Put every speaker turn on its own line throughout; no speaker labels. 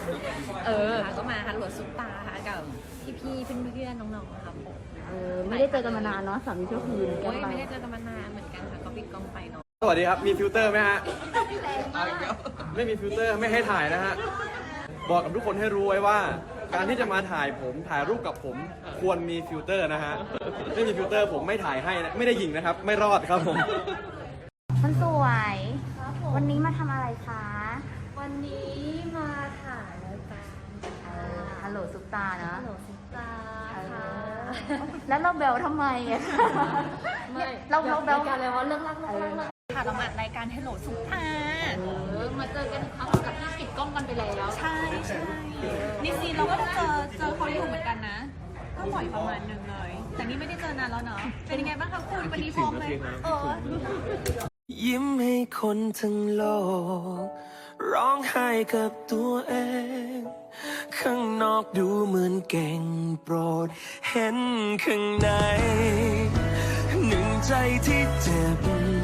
ก็มาฮัลโหลซุปตาค่ะกับพี่ๆเพื่อนๆน้องๆครับผม
ไม่ได้เจอกันมานานเนาะสามีชั่วคืน
ไม่ได้เจอกันมานานเหมือนกันค่ะก็ปิดกล้องไปเนาะ
สวัสดีครับมีฟิลเตอร์ไหมฮะไม่มีฟิลเตอร์ไม่ให้ถ่ายนะฮะบอกกับทุกคนให้รู้ไว้ว่าการที่จะมาถ่ายรูปกับผมควรมีฟิลเตอร์นะฮะไม่มีฟิลเตอร์ผมไม่ถ่ายให้นะไม่ได้ยิงนะครับไม่รอดครับผม
คนสวยวันนี้มาทำอะไรคะ
วันนี้มาถ่ายรายการ
ฮัลโหลซุปตาเนาะ
ฮัลโหลซุปตาค่ะ
แล้วเราเบลทำไมอ่ะเราเบล
กันเลยว่าเรื่องรักค่ะเราอัดรายการฮัลโหลซุปตามาเจอกันครั้งกับที่ปิดกล้องกันไปแล้วใช่นี่ซีเราก็เจอเขาอยู่เหมือนกันนะก็บ่อยประมาณนึงเลยแต่นี่ไม่ได้เจอนานแล้วเนาะเป็นยังไงบ้างคะคุณวันนี้พร้อมไหม
ยิ้มให้คนทั้งโลกร้องไห้กับตัวเองข้างนอกดูเหมือนเก่งโปรดเห็นข้างในหนึ่งใจที่เจ็บ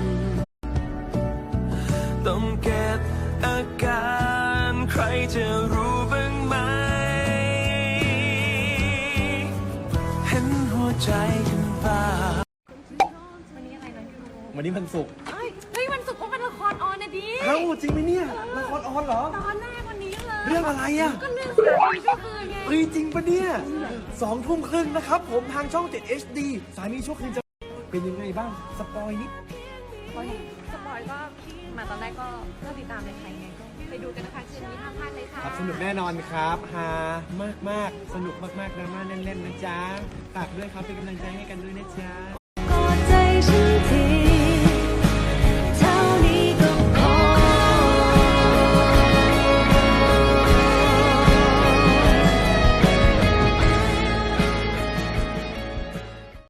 ต้องเก็บอาการใครจะรู้บ้างไหมเห็นหัวใจกันบ้าง
วันนี้อะไรนะพี่รู้
วันนี้วันศุกร์
เฮ้ยวันศุกร์ก็เป็นละครออนนะดิ
เอ้าจริงไหมเนี่ยละครออนเหรอ
ตอนแรกวันนี้เลย
เรื่องอะไรอ่ะ
ก็เรื่องสามีชั่วคืนไง
เฮ้ยจริงปะเนี่ย20:30นะครับผมทางช่อง 7 HD สามีชั่วคืนจะเป็นยังไงบ้างสปอยนิด
สปอยก็มาตอนแรกก็ติดตามในไทยไงก็ไปดูกันนะคะคืนนี้ห้ามพลาดเลยค่ะ
ครับสนุกแน่นอนครับฮามากสนุกมากดราม่าแน่นๆนะจ๊ะฝากด้วยครับเป็นกำลังใจให้กันด้วยนะจ๊ะ
กอดใจฉันที